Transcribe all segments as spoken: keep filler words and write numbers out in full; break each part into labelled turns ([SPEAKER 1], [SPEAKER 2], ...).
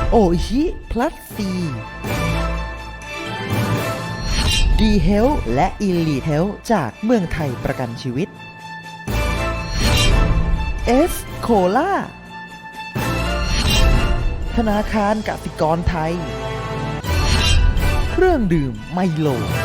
[SPEAKER 1] โอชิพลัสซีดีเฮลและอิลีเฮลจากเมืองไทยประกันชีวิตเอสโคล่าธนาคารกสิกรไทยเครื่องดื่มไมโล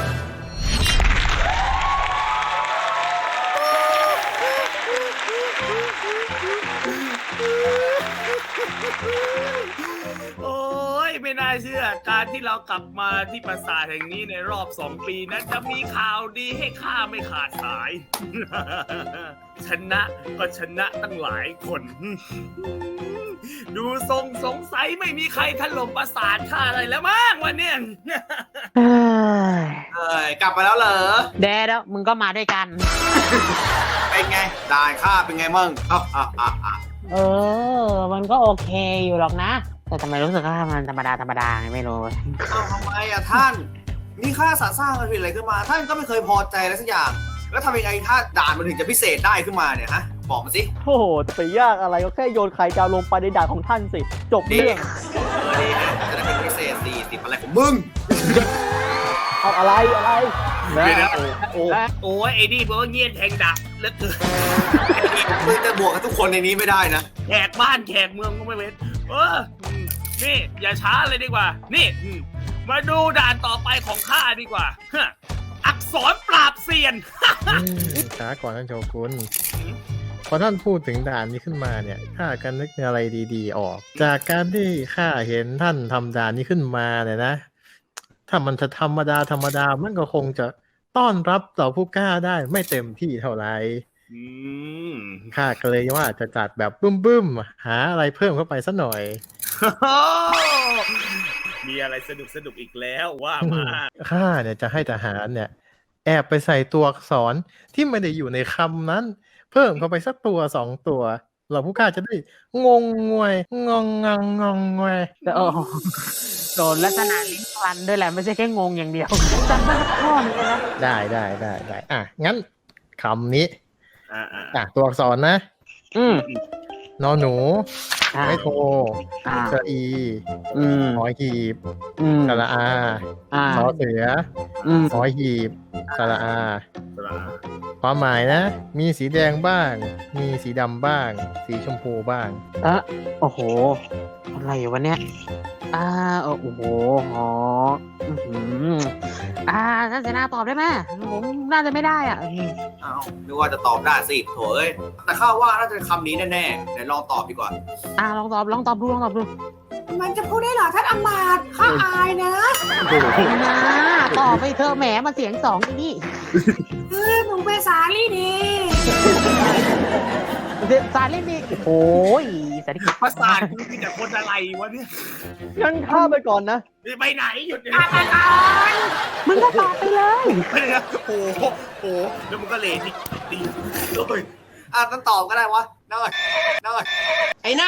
[SPEAKER 2] โอ้ยไม่น่าเชื่อการที่เรากลับมาที่ปราสาทแห่งนี้ในรอบสองปีนั้นจะมีข่าวดีให้ข้าไม่ขาดสาย ชนะก็ชนะตั้งหลายคน ดูทรงสงสัยไม่มีใครถล่มปราสาทข้าอะไรแล้วมั้งวันเนี้ย
[SPEAKER 3] เอ้ย
[SPEAKER 4] เอ้ยกลับมาแล้วเหรอ
[SPEAKER 3] แดดแล้วมึงก็มาด้วยกัน
[SPEAKER 4] เป็นไงด่านข้าเป็นไงมั่งอ่ะอ่ะอ่ะอ่ะ
[SPEAKER 3] เออ มันก็โอเคอยู่หรอกนะ แต่ทำไมรู้สึกว่ามันธรรมดาธรรมดาไงไม่รู้
[SPEAKER 4] เอาทำไมอ่ะท่านนี่ข้าสร้างมันผิดอะไรขึ้นมา ท่านก็ไม่เคยพอใจอะไรสักอย่าง แล้วทำยังไงถ้าด่านมันถึงจะพิเศษได้ขึ้นมาเนี่ยฮะบอกมาสิ
[SPEAKER 5] โอ้โหจะไปยากอะไรก็แค่โยนไข่ดาวลงไปในด่านของท่านสิ จบ
[SPEAKER 4] ดี
[SPEAKER 5] เรื่อง
[SPEAKER 4] เออดีนะจะได้เป็นพิเศษสี่สิบอะไรของมึง
[SPEAKER 5] เอาอะไรอะไร
[SPEAKER 2] เดี๋ยวนะโอ้โอ้โอ้ยไอ้นี่เบอร์เงียนแทงดักแล้วเกิน
[SPEAKER 4] มึงจะบวกกับทุกคนในนี้ไม่ได้นะ
[SPEAKER 2] แขกบ้านแขกเมืองก็ไม่เว้นเอออืมนี่อย่าช้าเลยดีกว่า นี่อืมมาดูด่านต่อไปของข้าดีกว่าฮะอักษรปราบเซียน
[SPEAKER 6] อืมช้าก่อนท่านโชกุนพอท่านพูดถึงด่านนี้ขึ้นมาเนี่ยข้าก็นึกอะไรดีๆออก จากการที่ข้าเห็นท่านทำด่านนี้ขึ้นมาเนี่ยนะ ถ้ามันจะธรรมดาธรรมดามันก็คงจะต้อนรับเหล่าผู้กล้าได้ไม่เต็มที่เท่าไหร่
[SPEAKER 2] อืม
[SPEAKER 6] ข้าก็เลยว่าจะจัดแบบบึ้มๆหาอะไรเพิ่มเข้าไปสักหน่อย
[SPEAKER 2] มีอะไรสนุกสนุกอีกแล้วว่ามา
[SPEAKER 6] ข้าเนี่ยจะให้ทหารเนี่ย แอบไปใส่ตัวอักษรที่ไม่ได้อยู่ในคำนั้น เพิ่มเข้าไปสักตัวสองตัวเราผู้กล้าจะได้งงงวยงงงังงงงวย
[SPEAKER 3] แต่โอ้โหโดนลักษณะลิ้นควันด้วยแหละไม่ใช่แค่งงอย่างเดียวจำได้ข้อนี้นะ
[SPEAKER 6] ได้ได้ได้ได้อ่ะงั้นคำนี้
[SPEAKER 2] อ่าอ่า
[SPEAKER 6] อ่ะตัวอักษรนะ
[SPEAKER 3] อืม
[SPEAKER 6] นอหนู
[SPEAKER 3] อ่า
[SPEAKER 6] ไม่โท
[SPEAKER 3] อ่า
[SPEAKER 6] สระอี
[SPEAKER 3] อืม
[SPEAKER 6] หอหีบ
[SPEAKER 3] อืม
[SPEAKER 6] สระอา
[SPEAKER 3] อ่า
[SPEAKER 6] สอเสือ
[SPEAKER 3] อืม
[SPEAKER 6] หอหีบสระอา
[SPEAKER 2] สระอา
[SPEAKER 6] ความหมายนะ มีสีแดงบ้าง มีสีดำบ้าง สีชมพูบ้าง
[SPEAKER 3] เออโอ้โห อะไรวะเนี่ย อ่า โอ้โหอ๋ออือหืออ่าท่านเสนาตอบได้ไหมผมน่าจะไม่ได้อ่ะอืม
[SPEAKER 4] อ้าวนึกว่าจะตอบได้สิโถเอ้ยแต่ข้าว่าน่าจะเป็นคำนี้แน่ๆไหนลองตอบดีกว่า
[SPEAKER 3] อ่าลองตอบ ลองตอบดู ลองตอบดู
[SPEAKER 7] มันจะพูดได้เหรอท่านอำมาตย์ข้าอายนะ
[SPEAKER 3] นะตอบไปเธอะแหมมาเสียงสองที่นี่
[SPEAKER 7] เออหนูเป็นสาลี่ดี
[SPEAKER 3] สารเล่นนี่โอ้ยสารที่
[SPEAKER 2] ภาษาทกูมีแต่คนอะไรวะเนี่ย
[SPEAKER 5] งั้นข้าไปก่อนนะ
[SPEAKER 2] ไปไหนหยุดเดี๋ยว
[SPEAKER 7] อา
[SPEAKER 2] นี้
[SPEAKER 7] ตาลอน
[SPEAKER 3] มึงก็ตอบไปเลย
[SPEAKER 2] ไปเลยนะโอ้โหโอ้โหแล้วมันก็เลทอีกดีโอ้ย
[SPEAKER 4] อ่ะต้องตอบก็ได้วะน้อยน้อย
[SPEAKER 7] ไอ้หน้า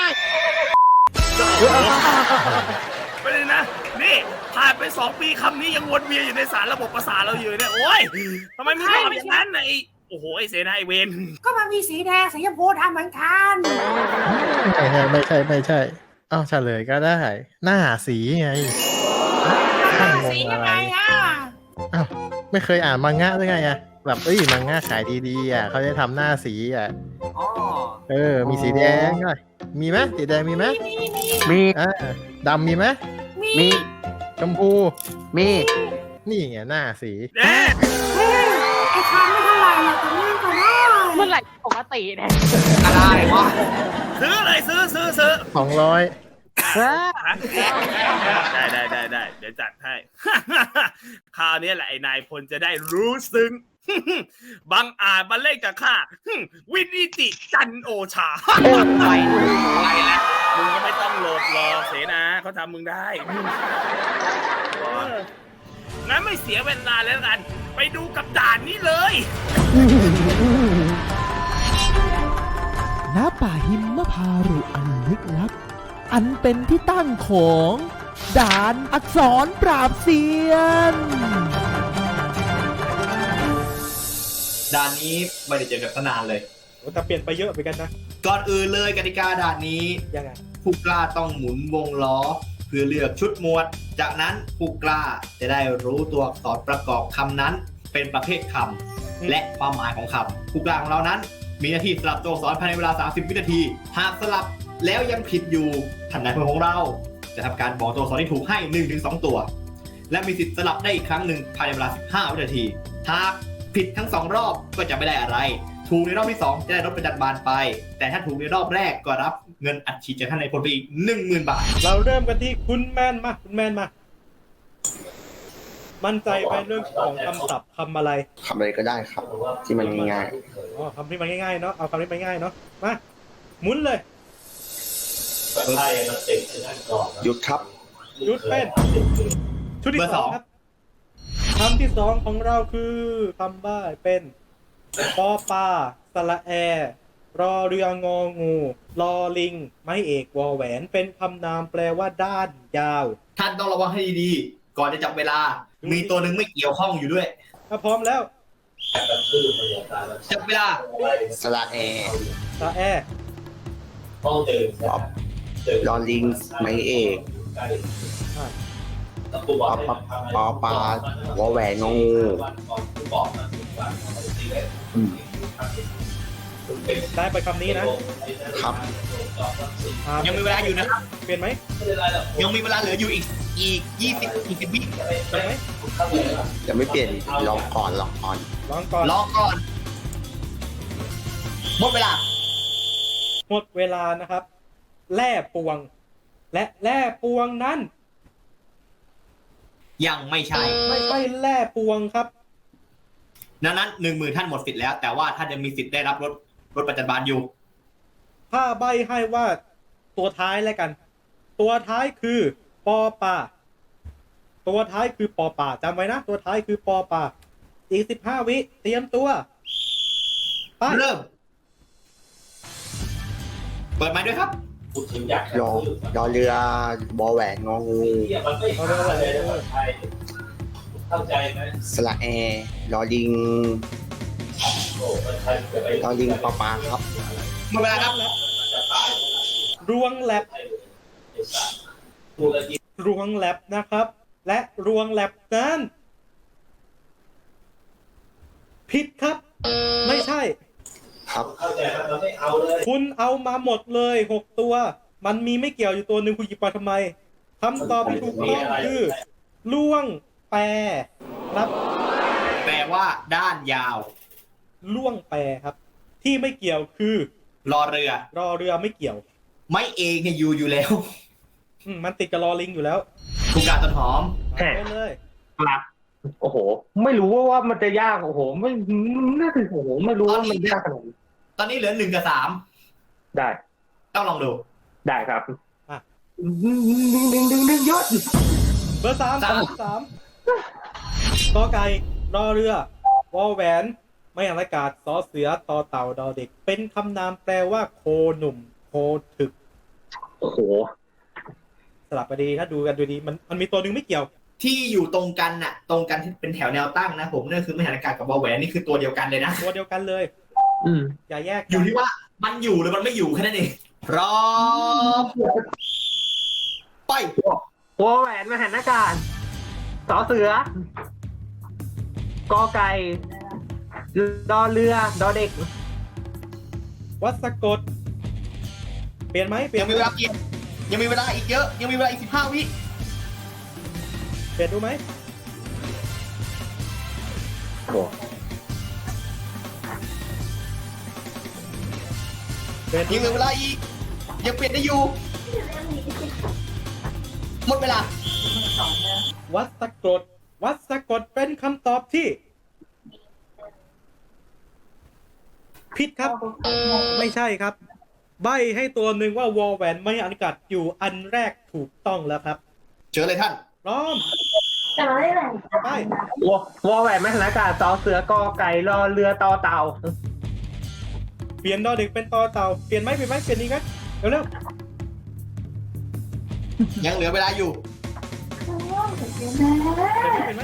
[SPEAKER 2] ไปเลยนะ นี่ผ่านไปสองปีคำนี้ยังวนเวียนอยู่ในสารระบบประสาทเราอยู่เนี่ย โอ้ยทำไมมึงตอบอย่างนั้นน่ะไอ้โอ้โห ไอ้เสนาไอ้เวน
[SPEAKER 7] ก็มันมีสีแดงสีชมพูทำเหมือนกัน
[SPEAKER 6] ไม่ใช่ไม่ใช่ไม่ใช่อ้าวเฉลยก็ได้ หน้าสีไงท่านง
[SPEAKER 7] สี
[SPEAKER 6] ง
[SPEAKER 7] ยั
[SPEAKER 6] อะ
[SPEAKER 7] ง
[SPEAKER 6] ไร
[SPEAKER 7] ไงอ่ะ
[SPEAKER 6] อ้าวไม่เคยอ่านมังงะหรือไงอะแบบเอ้ยมังงะขายดีๆอ่ะเขาจะทำหน้าสีอ่ะ
[SPEAKER 4] อ๋อ
[SPEAKER 6] เออ มีสีแดงด้วยมีไหมสีแดงมีไหม
[SPEAKER 7] มีมีมี
[SPEAKER 3] มี
[SPEAKER 6] อ่าดำมีไหม
[SPEAKER 7] มี
[SPEAKER 3] มี
[SPEAKER 6] ชมพู
[SPEAKER 3] มี
[SPEAKER 6] นี่ไงหน้าสี
[SPEAKER 2] เอ๊ะ
[SPEAKER 7] เฮ้ยไอ้คำไม่เท่าไหร่หรอกแต่เรื่องก็ได้
[SPEAKER 3] เมื่อไหร่ปกติเนี่ย
[SPEAKER 4] ก็ได้วะ
[SPEAKER 2] ซื้อเลยซื้อซื้อซื้อ
[SPEAKER 6] สองร้อย
[SPEAKER 3] เออ
[SPEAKER 2] ได้ได้ได้ได้เดี๋ยวจัดให้ คราวนี้แหละไอ้นายพลจะได้รู้ซึ้ง บังอาจมาเล่นกับข้า วินิติจันโอชา
[SPEAKER 3] ไป
[SPEAKER 2] อะไรแล้วมึงก็ไม่ต้องโหลดรอเสนาเขาทำมึงได้เอองั้นไม่เสียเวลาแล้วกัน ไปดูกับด่านนี้เลย
[SPEAKER 1] ณป่าหิมพารุอันลึกลับ อันเป็นที่ตั้งของด่านอักษรปราบเซียน
[SPEAKER 4] ด่านนี้ไม่ได้เจอกันตั้งนานเลย
[SPEAKER 5] แต่เปลี่ยนไปเยอะเหมือนกันนะ
[SPEAKER 4] ก่อนอื่นเลยกติกาด่านนี้
[SPEAKER 5] ยังไง
[SPEAKER 4] ผู้กล้าต้องหมุนวงล้อ
[SPEAKER 8] เพื่อเลือกชุดหมวด จากนั้นผู้กล้าจะได้รู้ตัวอักษรประกอบคำนั้นเป็นประเภทคำและความหมายของคำผู้กล้าของเรานั้นมีหน้าที่สลับตัวอักษรภายในเวลาสามสิบวินาทีหากสลับแล้วยังผิดอยู่ท่านนายพลของเราจะทำการบอกตัวอักษรที่ถูกให้ หนึ่งถึงสอง ตัวและมีสิทธิ์สลับได้อีกครั้งหนึ่งภายในเวลาสิบห้าวินาทีหากผิดทั้งสองรอบก็จะไม่ได้อะไรถูกในรอบที่สองจะได้รถประจันบานไปแต่ถ้าถูกในรอบแรกก็รับเงินอัดฉีดจากท่านนายพลไปอีก หนึ่งหมื่น บาท
[SPEAKER 9] เราเริ่มกันที่คุณแมนมาคุณแมนมา มั่นใจไปเรื่องของคำศัพท์คำอะไร
[SPEAKER 10] คำอะไรก็ได้ครับ ที่มันง่าย
[SPEAKER 9] อ๋อคำที่มันง่ายๆเนาะเอาคำที่มันง่ายเนาะมาหมุนเลย
[SPEAKER 10] ๆหยุดครับ
[SPEAKER 9] หยุดเป็นชุดที่
[SPEAKER 8] เบอร์
[SPEAKER 9] ส
[SPEAKER 8] ส
[SPEAKER 9] อ
[SPEAKER 8] อง ง
[SPEAKER 9] ครับคำที่สองของเราคือคำบ้าเป็นปอปลาสระแอ รอเรืององูรอลิง ไม้เอกวอแหวน เป็นคำนามแปลว่าด้านยาว
[SPEAKER 8] ท่านต้องระวังให้ดีๆก่อนจะจับเวลา มีตัวหนึ่งไม่เกี่ยวข้องอยู่ด้วย
[SPEAKER 9] ถ้าพร้อมแล้ว
[SPEAKER 8] จับเวลา
[SPEAKER 10] สระแอ
[SPEAKER 9] สระแอ
[SPEAKER 10] ป๊อปลอลิงไม้เอก
[SPEAKER 9] อ่ะ
[SPEAKER 10] ปอปปอปลาวอแหวนงองูอืม
[SPEAKER 9] ได้ไปคำนี้นะ
[SPEAKER 10] ครับ
[SPEAKER 9] อ่ะ
[SPEAKER 8] ยังมีเวลาอยู่นะครับ
[SPEAKER 9] เปลี่ยนไหม
[SPEAKER 8] ยังมีเวลาเหลืออยู่อีกอีกยี่สิบอีกสิบวิ
[SPEAKER 9] เปลี่ยนไหม
[SPEAKER 10] ยังไม่เปลี่ยนลองก่อนลองก่อน
[SPEAKER 9] ลองก่อน
[SPEAKER 8] รอก่อนหมดเวลา
[SPEAKER 9] หมดเวลานะครับ แร่ปวง และแร่ปวงนั้น
[SPEAKER 8] ยังไม่ใช่
[SPEAKER 9] ไม่ใช่แร่ปวงครับ
[SPEAKER 8] ดังนั้นหนึ่งหมื่นท่านหมดสิทธิ์แล้ว แต่ว่าท่านยังมีสิทธิ์ได้รับรถรถประจันบานอยู่
[SPEAKER 9] ถ้าใบให้ว่าตัวท้ายแล้วกัน ตัวท้ายคือปอปลาตัวท้ายคือปอปลาจำไว้นะ ตัวท้ายคือปอปลาอีกสิบห้าวิเตรียมตัวไป
[SPEAKER 8] เริ่ม เปิดไมค์ด้วยครับ
[SPEAKER 10] รอรอเรือบอแหวนงองู
[SPEAKER 9] เอาเร็วๆเลย
[SPEAKER 10] สระแอรอลิงรอลิงปอปลาครับ
[SPEAKER 8] หมดเวลาครับ
[SPEAKER 9] รวงแลบรวงแลบนะครับ และรวงแลบนั้นผิดครับ ไม่ใช่
[SPEAKER 10] ครับ
[SPEAKER 9] คุณเอามาหมดเลยหกตัว มันมีไม่เกี่ยวอยู่ตัวหนึ่งคุณหยิบมาทำไมคำตอบที่ถูกต้องคือล่วงแปรครับ
[SPEAKER 8] แปลว่าด้านยาว
[SPEAKER 9] ล่วงแปรครับ ที่ไม่เกี่ยวคือ
[SPEAKER 8] รอเรือ
[SPEAKER 9] รอเรือไม่เกี่ยว
[SPEAKER 8] ไม่เองเนี่ยอยู่อยู่แล้ว
[SPEAKER 9] อืมมันติดกับรอลิงอยู่แล้ว
[SPEAKER 8] ผู้การต้นหอม
[SPEAKER 9] เอาไปเลย
[SPEAKER 3] ครับโอ้โห ไม่รู้ว่าว่ามันจะยากโอ้โหไม่น่าจะโอ้โหไม่รู้ว่ามันยากขนาดนี้
[SPEAKER 8] ตอนนี้เหลือหนึ่งกับสาม
[SPEAKER 3] ได้
[SPEAKER 8] ต้องลองดู
[SPEAKER 3] ได้ครับ
[SPEAKER 9] อ่ะ
[SPEAKER 3] ดึงดึงดึงดึงดึงยอด
[SPEAKER 9] เบอร์สาม
[SPEAKER 8] สาม
[SPEAKER 9] สามกอไก่รอเรือวอแหวน ไม่อ่านอากาศสอเสือต่อเต่าดอเด็ก เป็นคำนามแปลว่าโคหนุ่ม โคถึก
[SPEAKER 3] โอ้โห
[SPEAKER 9] สลับไปดีถ้าดูกันดูดีมันมันมีตัวหนึ่งไม่เกี่ยว
[SPEAKER 8] ที่อยู่ตรงกันน่ะ ตรงกันที่เป็นแถวแนวตั้งนะผมนั่นคือมหาอากาศกับบอแหวนนี่คือตัวเดียวกันเลยนะ
[SPEAKER 9] ตัวเดียวกันเลย
[SPEAKER 3] อืม
[SPEAKER 9] อย่าแยก
[SPEAKER 8] อยู่ที่ว่ามันอยู่หรือมันไม่อยู่แค่นั้นเองพร้อมไป
[SPEAKER 3] วอแหวนมหันอากาศสอเสือกอไก่ดอเรือดอเด็ก
[SPEAKER 9] วัดสะกด เปลี่ยนไหมเปลี่ย
[SPEAKER 8] ยั
[SPEAKER 9] น
[SPEAKER 8] งมีเวลาเปลี่ยนยังมีเวลาอีกเยอะ ยังมีเวลาอีกสิบห้าวิ
[SPEAKER 9] เปลี่ยนดูไหม
[SPEAKER 3] โอ้
[SPEAKER 9] เปลี่ยนดู
[SPEAKER 8] ยังเหลือเวลาอีกยังเปลี่ยนได้อยู่หมดเวลา
[SPEAKER 9] วัดสะกด วัดสะกดเป็นคำตอบที่ ผิดครับ ไม่ใช่ครับ ใบให้ตัวหนึ่งว่าวอแหวนไม่อันกัดอยู่อันแรกถูกต้องแล้วครับ
[SPEAKER 8] เจอเลยท่าน
[SPEAKER 9] พร้อม
[SPEAKER 7] แต่เราได้แหล่ง
[SPEAKER 9] ไป
[SPEAKER 3] วอวอแหวนมหันอากาศสอเสือกอไก่รอเรือต่อเต่า
[SPEAKER 9] เปลี่ยนดอเด็กเป็นตอเต่า เปลี่ยนไหมเปลี่ยนไหมเปลี่ยนอีกไหมเร็ว
[SPEAKER 8] ยังเหลือเวลาอยู่
[SPEAKER 9] ๆเปลี่ยนไหมเปลี่ยนไหม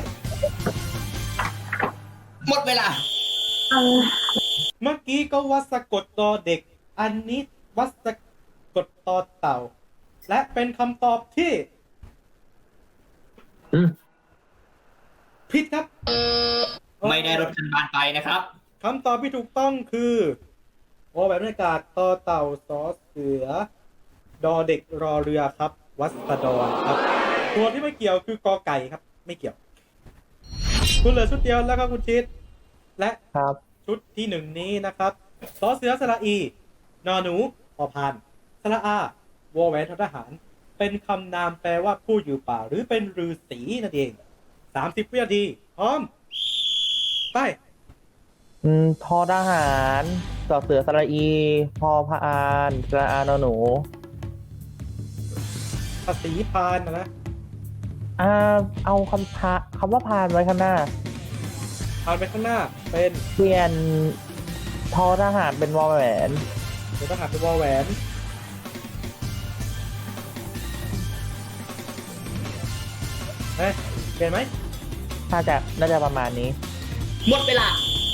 [SPEAKER 8] หมดเวลา
[SPEAKER 9] เมื่อกี้ก็วัดสะกดดอเด็ก อันนี้วัดสะกดตอเต่า และเป็นคำตอบที่
[SPEAKER 10] อืม
[SPEAKER 9] ผิดครับ
[SPEAKER 8] ไม่ได้รถคันบานไปนะครับ
[SPEAKER 9] คำตอบที่ถูกต้องคือวอแหวนบรรยากาศต่อเต่าสอเสือ ดอเด็กรอเรือครับ วัสดรครับ ตัวที่ไม่เกี่ยวคือกอไก่ครับ ไม่เกี่ยว คุณเหลือชุดเดียวแล้วครับคุณชิด และ
[SPEAKER 5] ครับ
[SPEAKER 9] ชุดที่หนึ่งนี้นะครับสอเสือสระอี นอหนูพอพานสระอาวอแหวนทหาร เป็นคำนามแปลว่าผู้อยู่ป่า หรือเป็นฤาษีนั่นเองสามสิบวินาทีพร้อมไป
[SPEAKER 5] อืมทอทหารสอเสือสระอี พอพานสระอานอหนู
[SPEAKER 9] ภาษีพานนะนะ
[SPEAKER 5] อ่า เอาคำพะคำว่าพานไว้ข้างหน้า
[SPEAKER 9] พานไปข้างหน้าเป็น
[SPEAKER 5] เปลี่ยนทอทหารเป็นวอแหวน
[SPEAKER 9] เดี๋ยวต้องหาเป็นวอแหวนเฮ้ยเปลี่ยนไหม
[SPEAKER 5] น่าจะน่าจะประมาณนี้
[SPEAKER 8] หมดเวลา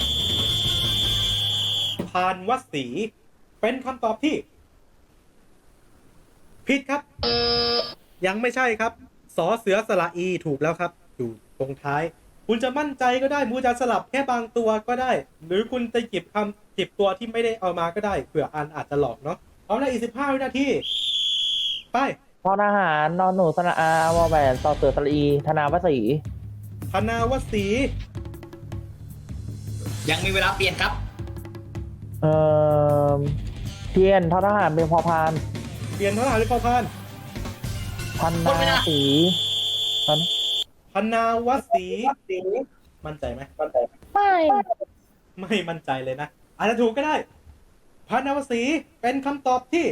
[SPEAKER 9] พานวัดศรีเป็นคำตอบที่ ผิดครับ ยังไม่ใช่ครับสอเสือสระอีถูกแล้วครับ อยู่ตรงท้าย คุณจะมั่นใจก็ได้มูจะสลับแค่บางตัวก็ได้ หรือคุณจะหยิบคำหยิบตัวที่ไม่ได้เอามาก็ได้เผื่ออันอาจจะหลอกเนาะเอาละอีกสิบห้าวินาทีไป
[SPEAKER 5] ทอทหารนอนหนูสระอาวอแหวนสอเสือสระอี ธนาวสี
[SPEAKER 9] ธนาวศรี
[SPEAKER 8] ยังมีเวลาเปลี่ยนครับ
[SPEAKER 5] เอ่อเพียนทอทหารเป็นพอพาน
[SPEAKER 9] เปลี่ยนเท่าไหร่หรือพอพาน
[SPEAKER 5] พันนาสีพัน
[SPEAKER 9] ธนาวศรีมั่นใจไหม
[SPEAKER 5] ไม่
[SPEAKER 9] ไม่มั่นใจเลยนะอาจจะถูกก็ได้พานาวศรีเป็นคำตอบที่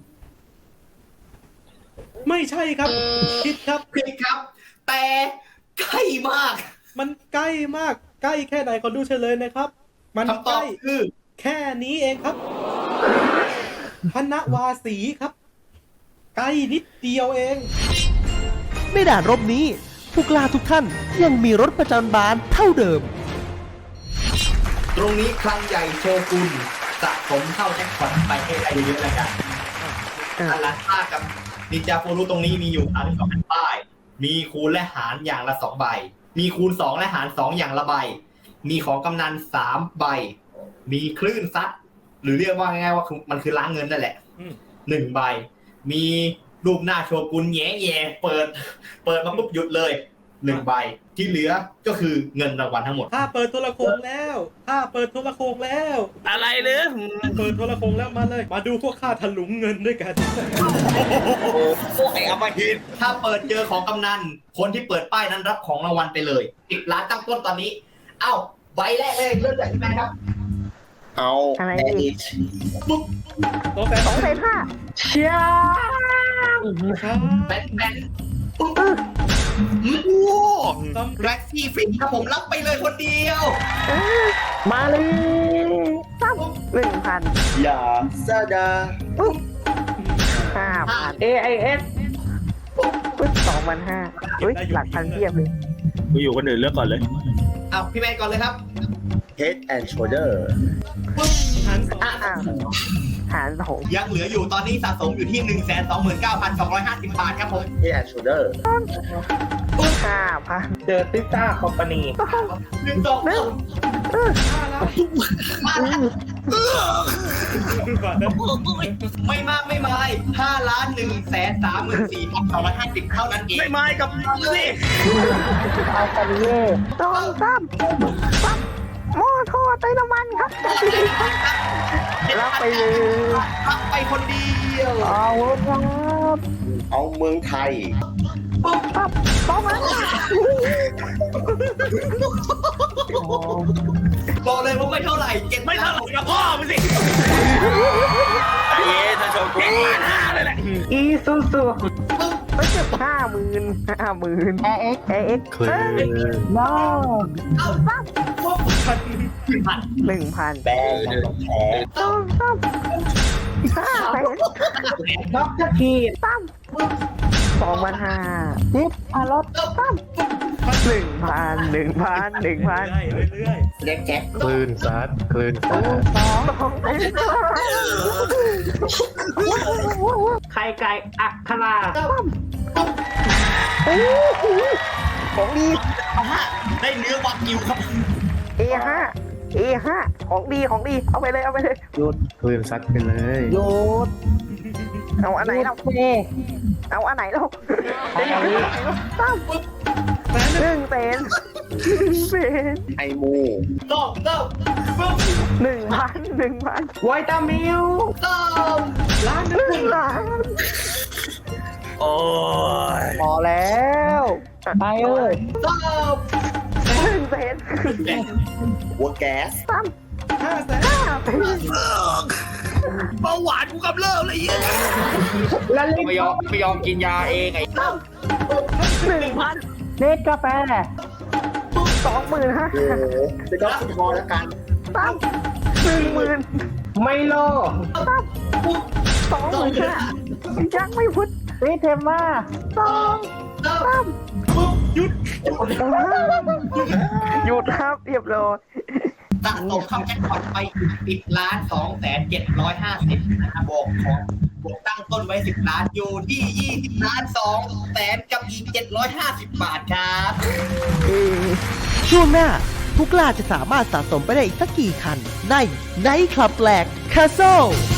[SPEAKER 9] ไม่ใช่ครับผิดครับ
[SPEAKER 8] ผิดครับ แต่ใกล้มาก
[SPEAKER 9] มันใกล้มากใกล้แค่ไหนขอดูเฉลยนะครับ มัน
[SPEAKER 8] คำต
[SPEAKER 9] ใก
[SPEAKER 8] อบ
[SPEAKER 9] ล้
[SPEAKER 8] คือ
[SPEAKER 9] แค่นี้เองครับพนวาสีครับ ใกล้นิดเดียวเอง
[SPEAKER 1] ในด่านรบนี้ ผู้กล้าทุกท่านยังมีรถประจำบานเท่าเดิม
[SPEAKER 8] ตรงนี้คลังใหญ่โชกุนสะสมเข้าแจ็คพอตไปให้ได้เยอะๆแล้วกันอันละค่ากับนินจาโฟรุตรงนี้มีอยู่สามสิบสองแผ่นป้าย มีคูณและหารอย่างละสองใบ มีคูณสองและหารสองอย่างละใบ มีของกำนันสามใบ มีคลื่นซัดหรือเรียกว่าง่ายๆว่ามันคือล้างเงินนั่นแหละ
[SPEAKER 9] อืม
[SPEAKER 8] หนึ่งใบ มีรูปหน้าโชกุนแย่แย่ๆเปิด เปิดมาปุ๊บหยุดเลยหนึ่งใบ ที่เหลือก็คือเงินรางวัลทั้งหมด
[SPEAKER 9] ถ้าเปิดโทรโขงแล้ว ถ้าเปิดโทรโขงแล้ว
[SPEAKER 2] อะไรหรือ
[SPEAKER 9] เปิดโทรโขงแล้วมาเลย มาดูพวกข้าถลุงเงินด้วยกัน
[SPEAKER 8] พวกไอ้อมหิตถ้าเปิดเจอของกำนัน คนที่เปิดป้ายนั้นรับของรางวัลไปเลยสิบล้านตั้งต้นตอนนี้ เอ้าใบแรกเลยเริ่มจากที่แม่ครับ
[SPEAKER 10] เอา
[SPEAKER 5] อะไร
[SPEAKER 10] แอ
[SPEAKER 5] อี
[SPEAKER 10] ด
[SPEAKER 5] ก
[SPEAKER 9] สองแสน
[SPEAKER 5] สองแสนห้าเชีย
[SPEAKER 8] แบนแบนปุ๊บโอ้แร็กซี่ฟินครับผมรับไปเลยคนเดียว
[SPEAKER 5] มาเลยตั้มหนึ่งพัน
[SPEAKER 10] อย่าซาดา
[SPEAKER 5] ห้าพัน เอ ไอ เอสปึ๊บสองพันห้าอุ้ยหลักพันเทียบเลย
[SPEAKER 2] กูอยู่คนอื่นเลือกก่อนเลย
[SPEAKER 8] เอาพี่แมนก่อนเลยครับ
[SPEAKER 10] Head and Shoulder
[SPEAKER 9] หารสอง
[SPEAKER 5] อ่ะอ่ะหารสอง
[SPEAKER 8] ยังเหลืออยู่ตอนนี้สะสมอยู่ที่ หนึ่งแสนสองหมื่นเก้าพันสองร้อยห้าสิบ บาทครับผม
[SPEAKER 10] Head and Shoulder
[SPEAKER 5] ห้าพัน
[SPEAKER 10] เจอติต้าคอมพานี
[SPEAKER 8] หนึ่งสองสามมาแล้ว
[SPEAKER 9] ก่อนนะ
[SPEAKER 8] ไม่มากไม่ไม่ห้าล้านหนึ่งแสนสามหมื่นสี่พันสองร้อยห้าสิบเท่านั้นเอง
[SPEAKER 2] ไม่ไม่กับมึงสิ
[SPEAKER 5] เอาไปเย่ต้องซ้ำซ้ำหม้อทอดไต้น้ำมันครับรับไปเลย
[SPEAKER 8] รับไปคนเดียว
[SPEAKER 5] เอาครับ
[SPEAKER 10] เอาเมืองไทย
[SPEAKER 5] ปั๊บต้องมา
[SPEAKER 8] บอกเลยว่าไม่เท่าไหร่เก็บ
[SPEAKER 2] ไม่เท่าไหร่กับพ่อมึงสิไอ้เย้ถ้าโชว์กูล้านห้าเลยแหละ
[SPEAKER 5] อีซูซูไม่เจ็บห้าหมื่นห้าหมื่นแอเอ็กแอเอ็กคลื่นว้าวปั๊บ
[SPEAKER 8] พันพัน
[SPEAKER 5] หนึ่งพัน
[SPEAKER 10] แบงค์ของแท้
[SPEAKER 5] ต้องซ้ำห้าแสน
[SPEAKER 10] น็อกทีม
[SPEAKER 5] ซ้ำสองพันห้าสิบพันรถซ้ำหนึ่งพันหนึ่งพันหนึ่งพัน
[SPEAKER 9] เรื่อย
[SPEAKER 10] เล็กแจ็ค
[SPEAKER 6] คลื่นซัดคลื่นซัด
[SPEAKER 5] สองสอง
[SPEAKER 3] ไข่ไก่อัครา
[SPEAKER 5] โอ้โหของดี
[SPEAKER 8] ได้เนื้อวากิวครับ
[SPEAKER 5] เอห้าเอห้าของดีของดีเอาไปเลยเอาไปเลย
[SPEAKER 10] หยุด
[SPEAKER 6] ปืนซัดไปเลย
[SPEAKER 10] หยุด
[SPEAKER 5] เอาอันไหนเรา
[SPEAKER 10] เฟ่
[SPEAKER 5] เอาอันไหนเราตั้มหนึ่งเซนหนึ่งเซน
[SPEAKER 10] ไอมู
[SPEAKER 8] ต้มต้มต้ม
[SPEAKER 5] หนึ่งพันหนึ่งพัน
[SPEAKER 10] ไวตามิล
[SPEAKER 8] ต้ม
[SPEAKER 5] ล้านหนึ่งล้าน
[SPEAKER 2] โอ้ย
[SPEAKER 10] พอแล้วไปเอ้ย
[SPEAKER 8] ต้ม
[SPEAKER 5] หนึ่งเซน
[SPEAKER 10] หัวแก๊ส
[SPEAKER 5] ตั้ม
[SPEAKER 9] ห้าแสน
[SPEAKER 5] ห้าเซน
[SPEAKER 2] เบาหวานกูกำเริบเลยอ่ะ
[SPEAKER 10] แล้วเล็ก
[SPEAKER 4] ไม่ยอมไม่ยอมกินยาเองไอ้
[SPEAKER 5] หนึ่งพัน
[SPEAKER 10] เล็กกาแฟ
[SPEAKER 5] สองหมื่นห้า
[SPEAKER 10] โอ้โหจะก็ฟุตบอลแล้วกัน
[SPEAKER 5] ตั้มหนึ่งหมื่น
[SPEAKER 10] ไมโล
[SPEAKER 5] ตั้มสองหมื่นห้ายังไม่พุทธ
[SPEAKER 10] เอเทมมา
[SPEAKER 5] สองตั้ม
[SPEAKER 9] หยุด
[SPEAKER 5] หยุดครับเรียบร้อย
[SPEAKER 8] สะสมคำแจ็คพอตไปสิบล้านสองแสนเจ็ดร้อยห้าสิบนะครับบวกของบวกตั้งต้นไว้สิบล้านอยู่ที่ยี่สิบล้านสองแสนกับอีกเจ็ดร้อยห้าสิบบาทครับ
[SPEAKER 1] ช่วงหน้าผู้กล้าจะสามารถสะสมไปได้อีกสักกี่คัน ในไนท์คลับแหลกคาโซ